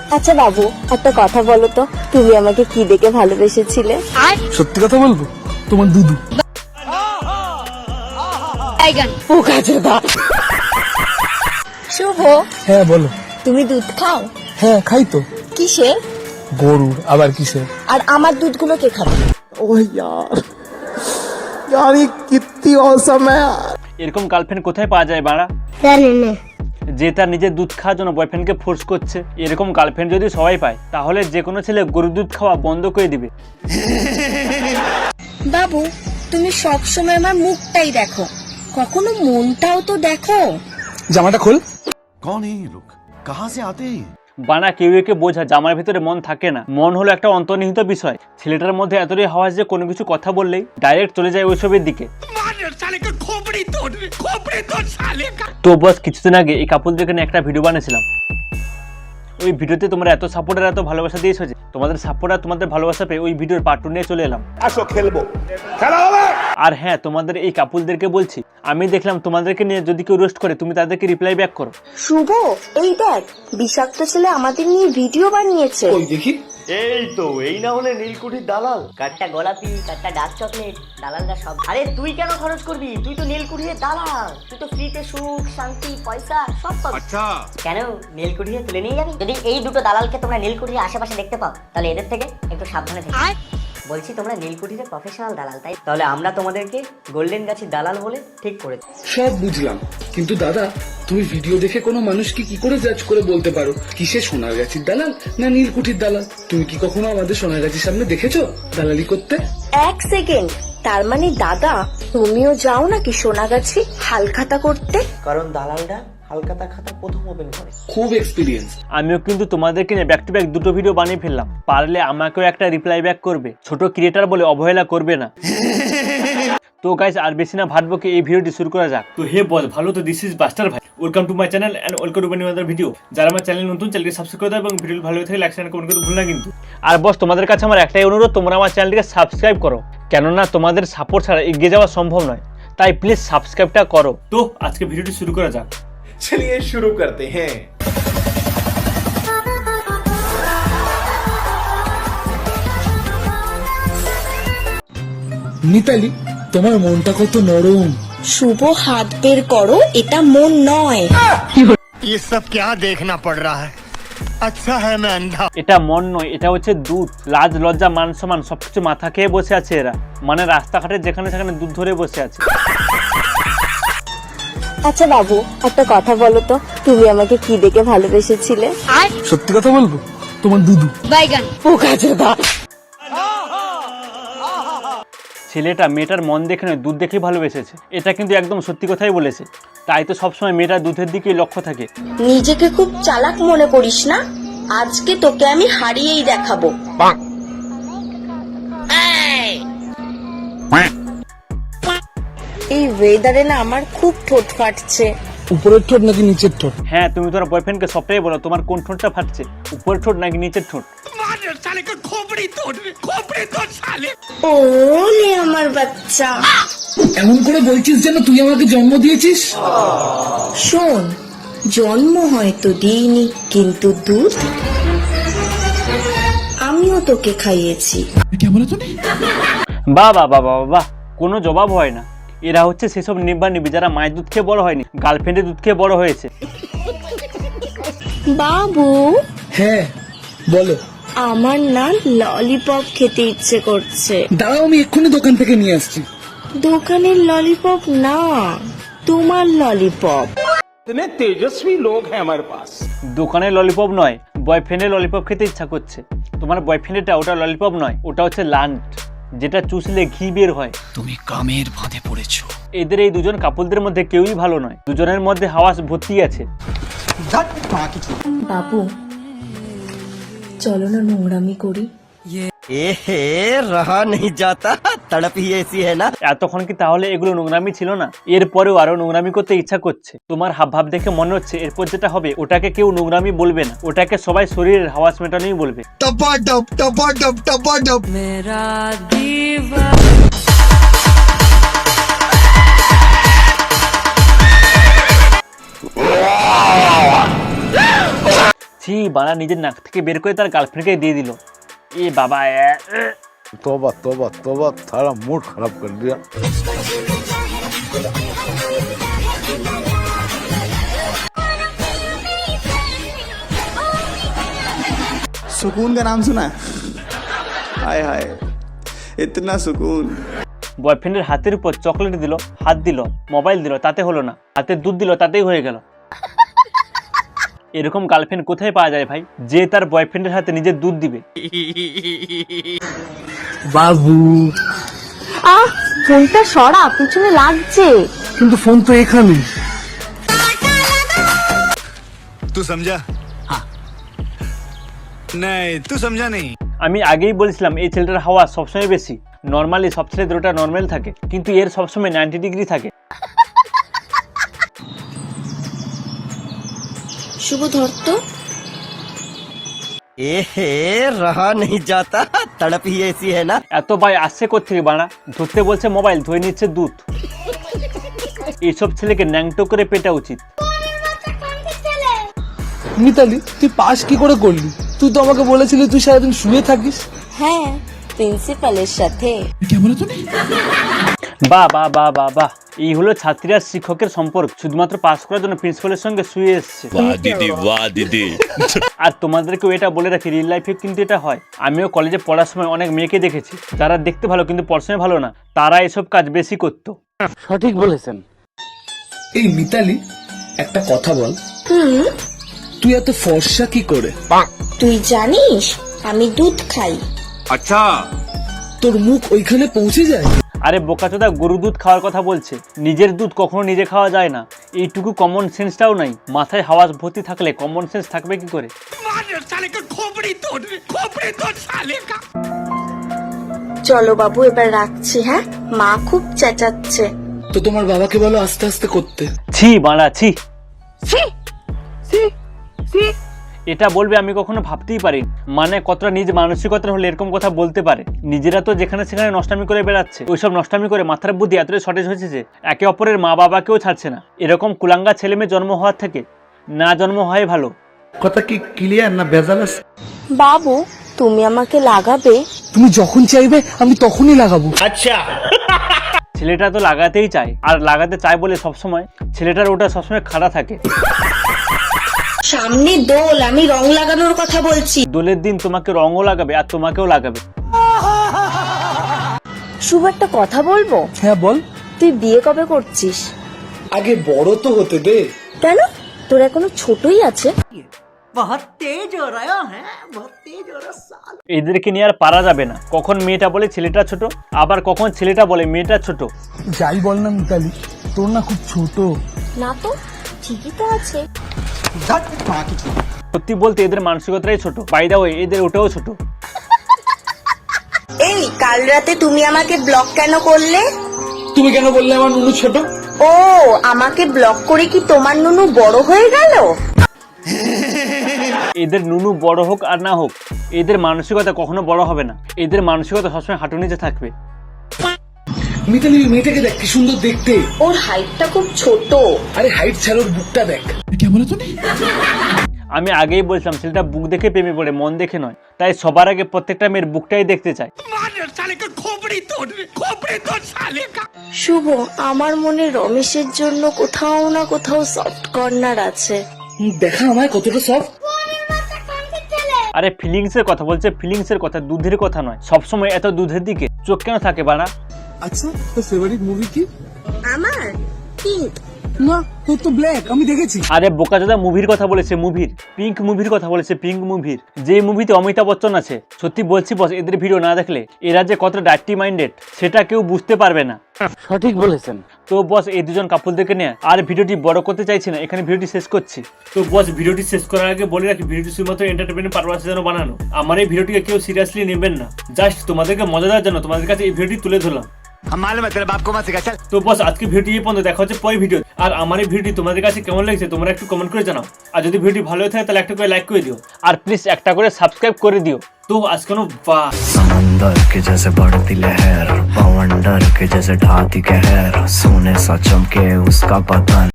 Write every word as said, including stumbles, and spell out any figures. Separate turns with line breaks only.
আচ্ছা বাবু, একটা কথা বলো তো, তুমি আমাকে কি দেখে ভালোবেসেছিলে?
সত্যি কথা বলবো, তোমার দুধু।
শুভ,
হ্যাঁ বলো।
তুমি দুধ খাও?
হ্যাঁ খাই তো।
কিসে?
গরুর, আবার কিসে?
আর আমার দুধগুলো কে খাবে?
ও यार यार ये कितनी औसम है यार।
এরকম গার্লফ্রেন্ড কোথায় পাওয়া যায় বাড়া,
জানি না।
যে তার নিজের দুধ খাওয়ার জন্য বয়ফ্রেন্ডকে ফোর্স করছে? এরকম গার্লফ্রেন্ড যদি সবাই পায় তাহলে যে কোনো ছেলে গরুর দুধ খাওয়া বন্ধ করে দিবে।
বাবু, তুমি সব সময় আমার মুখটাই দেখো, কখনো মনটাও তো দেখো।
জামাটা খোল।
कौन है ये लोग, कहाँ से आते हैं?
বানা কেউ একে বোঝা জামার ভিতরে মন থাকে না। মন হলো একটা অন্তর্নিহিত বিষয়। ছেলেটার মধ্যে এতটাই হাওয়া যে কোনো কিছু কথা বললেই ডাইরেক্ট চলে যায় ওইসবের দিকে। তো বস, কিছুদিন আগে এই কাপলদেরকে নিয়ে একটা ভিডিও বানিয়েছিলাম। ওই ভিডিওতে তোমরা এত সাপোর্ট আর এত ভালোবাসা দিয়েছো যে তোমাদের সাপোর্ট আর তোমাদের ভালোবাসা পেয়ে ওই ভিডিওর পার্ট টু নিয়ে চলে এলাম।
আসো খেলবো, খেলা হবে।
আর হ্যাঁ, তোমাদের এই কাপলদেরকে বলছি, আমি দেখলাম তোমাদেরকে নিয়ে যদি কেউ রোস্ট করে তুমি তাদেরকে রিপ্লাই ব্যাক করো।
শুভ, এই দেখ, বিষাক্ত ছেলে আমাদের নিয়ে ভিডিও বানিয়েছে।
ওই দেখি।
এই তো, এই না হলে নীলকুঠির দালাল।
কাঠটা গোলাপি, কাঠটা ডার্ক চকলেট, দালালরা সব। আরে তুই কেন খরচ করবি? তুই তো নীলকুঠির দালাল। তুই তো ফ্রিতে সুখ, শান্তি, পয়সা সব পাবি।
আচ্ছা
কেন নীলকুঠিরে তুলে নিয়ে যাবি? যদি এই দুটো দালালকে তোমরা নীলকুঠির আশেপাশে দেখতে পাও তাহলে এদের থেকে একটু সাবধানে থেকো। বলছি তোমরা নীলকুঠিরে প্রফেশনাল দালাল, তাই তাহলে আমরা তোমাদেরকে গোল্ডেন গাছির দালাল বলে ঠিক করেছি।
সব বুঝলাম, কিন্তু দাদা তুমি ভিডিও দেখে কোনো মানুষকে কি করে জাজ করে বলতে পারো কিসে সোনার গাছির দালাল না নীলকুঠির দালাল? তুমি কি কখনো আমাদের সোনার গাছির সামনে দেখেছো দালালি করতে?
এক সেকেন্ড, তার মানে দাদা তুমিও যাও নাকি সোনাগাছি হালখাতা করতে?
কারণ দালালরা হালকাতা খাতা প্রথম ওপেন করে।
খুব এক্সপিরিয়েন্স।
আমিও কিন্তু তোমাদেরকে নিয়ে ব্যাক টু ব্যাক দুটো ভিডিও বানিয়ে ফেললাম। পারলে আমাকেও একটা রিপ্লাই ব্যাক করবে, ছোট ক্রিয়েটার বলে অবহেলা করবে না। তো গাইস, আর বেশি না ভাববো কি এই ভিডিওটি শুরু করা যাক। তো হে বল, ভালো তো, দিস ইজ বাস্টার ভাই। Welcome to my channel and welcome to my new other video. যারা আমার চ্যানেল নতুন, চ্যানেলকে সাবস্ক্রাইব করে দাও এবং ভিডিও ভালো লাগে লাইক শেয়ার কমেন্ট করতে ভুল না কিন্তু। আর বস, তোমাদের কাছে আমার একটাই অনুরোধ, তোমরা আমার চ্যানেলটিকে সাবস্ক্রাইব করো, কেননা তোমাদের সাপোর্ট ছাড়া এগিয়ে যাওয়া সম্ভব নয়। তাই প্লিজ সাবস্ক্রাইবটা করো। তো আজকে ভিডিওটি শুরু করা যাক।
चलिए शुरू करते हैं।
মিতালি, তোমার মনটা কত নরম।
শুভ, হাত বের করো, এটা মন নয়।
ये सब क्या देखना पड़ रहा है? अच्छा है मैं अंधा।
এটা মন নয়, এটা হচ্ছে দুধ। লাজ লজ্জা মান সম্মান সবকিছু মাথা খেয়ে বসে আছে এরা, মানে রাস্তাঘাটে যেখানে সেখানে দুধ ধরে বসে আছে।
আচ্ছা বাবু, একটা কথা বলো তো, তুমি আমাকে কি দেখে ভালোবেসেছিলে?
সত্যি কথা বলবো, তোমার দুধু।
ছেলেটা মেয়েটার মন দেখে নয় দুধ দেখে ভালোবেসেছে, এটা কিন্তু একদম সত্যি কথাই বলেছে। তাই তো সবসময় মেয়েটা দুধের দিকেই লক্ষ্য থাকে।
নিজেকে খুব চালাক মনে করিস না, আজকে তোকে আমি হারিয়েই দেখাবো। এই ওয়েদারে না আমার খুব ঠোঁট ফাটছে।
উপরের ঠোঁট নাকি নিচের ঠোঁট?
হ্যাঁ, তুমি তোমার বয়ফ্রেন্ডকে সবটাই বলো, তোমার কোন ঠোঁটটা ফাটছে, উপরের ঠোঁট নাকি নিচের ঠোঁট?
ওলে আমার বাচ্চা,
এমন করে বলছিস যেন তুই আমাকে জন্ম দিয়েছিস।
শোন, জন্ম হয়তো দিইনি, কিন্তু দুধ আমিও তোকে খাইয়েছি।
বাহ বাহ বাহ বাহ বাহ, কোনো জবাব হয় না। এরা হচ্ছে সেসব নিব্বা নিবি যারা মায়ের দুধ খেয়ে বড় হয়নি, গার্লফ্রেন্ডের দুধ খেয়ে বড় হয়েছে।
বাবু,
হ্যাঁ বলো।
আমার না ললিপপ খেতে ইচ্ছে করছে।
দাঁড়াও, আমি এক্ষুনি দোকান থেকে নিয়ে আসছি।
দোকানের ললিপপ না, তোমার ললিপপ।
इतने तेजस्वी लोग हैं हमारे पास।
দোকানের ললিপপ নয়, বয়ফ্রেন্ডের ললিপপ খেতে ইচ্ছা করছে। তোমার বয়ফ্রেন্ডেরটা ওটা ললিপপ নয়, ওটা হচ্ছে লান্ট, যেটা চুষলে ঘি বের হয়।
তুমি কামের ফাঁদে পড়েছো।
এদের এই দুজন কাপলদের মধ্যে কেউই ভালো নয়, দুজনের মধ্যে হাওয়া ভর্তি আছে।
বাবু, চলো না নোংরামি করি।
এ রহা नहीं जाता, तड़प ही ऐसी है ना।
এতক্ষণ কি তাহলে এগুলো নোংরামি ছিল না? এরপরেও আরো নোংরামি করতে ইচ্ছা করছে। তোমার হাবভাব দেখে মনে হচ্ছে এরপর যেটা হবে ওটাকে কেউ নোংরামি বলবে না, ওটাকে সবাই শরীরের হাওয়াস মেটানোই বলবে।
टपा टप टपा टप टपा टप।
ছি ছি বাড়া, নিজের নাক থেকে বের করে তার গার্লফ্রেন্ডকে দিয়ে দিল। এ বাবা এ, এ।
तौबा तौबा तौबा, सारा मूड खराब कर दिया। सुकून का नाम सुना है? हाय हाय, इतना सुकून।
বয়ফ্রেন্ডের হাতের উপর চকলেট দিল, হাত দিল, মোবাইল দিল, তাতে হলো না। হাতে দুধ দিল, তাতেই হয়ে গেল। এরকম গার্লফ্রেন্ড কোথায় পাওয়া যায় ভাই, যে তার বয়ফ্রেন্ডের হাতে নিজের দুধ দিবে?
বাবু,
আহ ফোনটা সরা, পিছনে লাগছে।
কিন্তু ফোন তো এখানে।
तू समझा? हाँ नहीं, तू समझा नहीं।
আমি আগেই বলেছিলাম এই ছেলেটার হাওয়া সবসময় বেশি। নর্মালি সব ছেলে দুটোটা নর্মাল থাকে, কিন্তু এর সবসময় নাইনটি ডিগ্রি থাকে।
শুভ ধরত
एहे रहा नहीं जाता, तड़प ही ऐसी है ना।
এত ভাই আসছে কোথেকে বানা? ধরতে বলছে মোবাইল, ধুয়ে নিচ্ছে দুধ। এইসব ছেলেকে ন্যাংটো করে পেটা উচিত।
মিতালি, তুই পাস কি করে করলি? তুই তো আমাকে বলেছিলি তুই সারাদিন শুয়ে থাকিস।
হ্যাঁ, প্রিন্সিপালের সাথে।
বাহ বাহ বাহ বাহ বাহ, এই হলো ছাত্রী আর শিক্ষকের সম্পর্ক। শুধুমাত্র পাস করার জন্য প্রিন্সিপালের সঙ্গে শুয়ে এসছে। আর তোমাদেরকেও এটা বলে রাখি, রিয়েল লাইফে কিন্তু এটা হয়। আমিও কলেজে পড়ার সময় অনেক মেয়েকে দেখেছি যারা দেখতে ভালো কিন্তু পড়াশোনায় ভালো না, তারা এসব কাজ বেশি করতো।
সঠিক বলেছেন। এই মিতালি, একটা কথা বল, তুই এত ফর্সা কি করে?
তুই জানিস আমি দুধ খাই।
अच्छा,
তোর মুখ ওইখানে পৌঁছে যায়?
আরে বোকাচোদা, গরু দুধ খাওয়ার কথা বলছে, নিজের দুধ কখনো নিজে খাওয়া যায় না। এইটুকু কমন সেন্সটাও নাই। মাথায় হাওয়া ভর্তি থাকলে কমন সেন্স থাকবে কি করে?
চলো বাবু, এবার রাখছি। হ্যাঁ, মা খুব চেঁচাচ্ছে।
তো তোমার বাবাকে বলো আস্তে আস্তে করতে।
ছি বাড়া ছি। এটা বলবে আমি কখনো ভাবতেই পারি, মানে কতটা নিজ মানসিকতার হলে এরকম কথা বলতে পারে। নিজেরা তো যেখানে সেখানে নষ্টামি করে বেড়াচ্ছে, ওইসব নষ্টামি করে মাথার বুদ্ধি এতটাই শর্টেজ হয়েছে যে একে অপরের মা বাবাকেও ছাড়ছে না। এরকম কুলাঙ্গা ছেলে মেয়ে জন্ম হওয়ার থেকে না জন্ম হয় ভালো।
কথা কি ক্লিয়ার না ভেজাল আছে?
বাবু, তুমি আমাকে লাগাবে?
তুমি যখন চাইবে আমি তখনই লাগাবো।
ছেলেটা তো লাগাতেই চায়, আর লাগাতে চায় বলে সবসময় ছেলেটার ওটা সবসময় খাড়া থাকে।
সামনে দোল, আমি রং লাগানোর কথা বলছি।
দোলের দিন তোমাকে রঙও লাগাবে আর তোমাকেও লাগাবে।
শুভ, একটা কথা বলবো?
হ্যাঁ বল।
তুই বিয়ে কবে করছিস?
আগে বড় তো হতে দে।
কেন, তোর এখনো ছোটই আছে।
এদেরকে নিয়ে আর পারা যাবে না। কখন মেয়েটা বলে ছেলেটা ছোট, আবার কখন ছেলেটা বলে মেয়েটা ছোট।
যাই বল না মিতালি, তোর না খুব ছোট।
না তো, ঠিকই তো আছে।
সত্যি বলতে এদের মানসিকতাই ছোট। বাই দা ওয়ে, এদের ওটাও ছোট।
এই, কাল রাতে তুমি আমাকে ব্লক কেন করলে?
তুমি কেন বললে আমার নুনু ছোট?
ও, আমাকে ব্লক করে কি তোমার নুনু বড় হয়ে গেল?
এদের নুনু বড় হোক আর না হোক, এদের মানসিকতা কখনো বড় হবে না। এদের মানসিকতা সবসময় হাঁটু নিচে থাকবে।
মিতালি, ওই মেয়েটাকে দেখ কি সুন্দর দেখতে।
ওর হাইটটা খুব ছোট।
আরে হাইট ছাড়া ওর বুকটা দেখ।
আমি আগেই বলছিলাম ছেলেটা বুক দেখে প্রেমে পড়ে, মন দেখে নয়। তাই সবার আগে প্রত্যেকটা মেয়ের বুকটাই দেখতে চায়।
শুভ, আমার মনে রমেশের জন্য কোথাও না কোথাও সফট কর্নার আছে।
দেখা আমায় কতটা সফট।
আরে ফিলিংস এর কথা বলছে, ফিলিংস এর কথা, দুধের কথা নয়। সবসময় এত দুধের দিকে চোখ কেন থাকে বানা?
আচ্ছা, তোর ফেভারিট মুভি কি?
আমার পিঙ্ক।
না, তোর তো ব্ল্যাক, আমি দেখেছি।
আরে বোকাচোদা, মুভির কথা বলেছে, মুভির পিঙ্ক মুভির কথা বলেছে, পিঙ্ক মুভির। যে মুভিতে অমিতাভ বচ্চন আছে। সত্যি বলছি বস, এদের ভিডিও না দেখলে এরা যে কত ডার্টি মাইন্ডেড সেটা কেউ বুঝতে পারবে না।
সঠিক বলেছেন।
তো বস, এই দুজন কাপলদেরকে নিয়ে আর ভিডিওটি বড় করতে চাইছি না, এখানে ভিডিওটি শেষ করছি। তো বস, ভিডিওটি শেষ করার আগে বলে রাখি, ভিডিওটি শুধুমাত্র এন্টারটেইনমেন্ট পারপাসের জন্য বানানো। আমার এই ভিডিওটিকে কেউ সিরিয়াসলি নেবেন না, জাস্ট তোমাদেরকে মজা দেওয়ার জন্য তোমাদের কাছে এই ভিডিওটি তুলে ধরলাম।
हम मालूम है तेरे बाप को मत सिखा चल।
তো বস, আজকে ভিডিওটি এই পর্যন্ত। দেখা হচ্ছে পরের ভিডিও। আর আমার এই ভিডিওটি তোমাদের কাছে কেমন লাগছে তোমরা একটু কমেন্ট করে জানাও। আর যদি ভিডিওটি ভালো হয়ে থাকে তাহলে একটা করে লাইক করে দিও, আর প্লিজ একটা করে সাবস্ক্রাইব করে দিও। তো আজ কোনো বাস
समंदर के जैसे बढ़ती लहर, पवंडर के जैसे ढाती कहर, सोने सा चमके उसका बदन।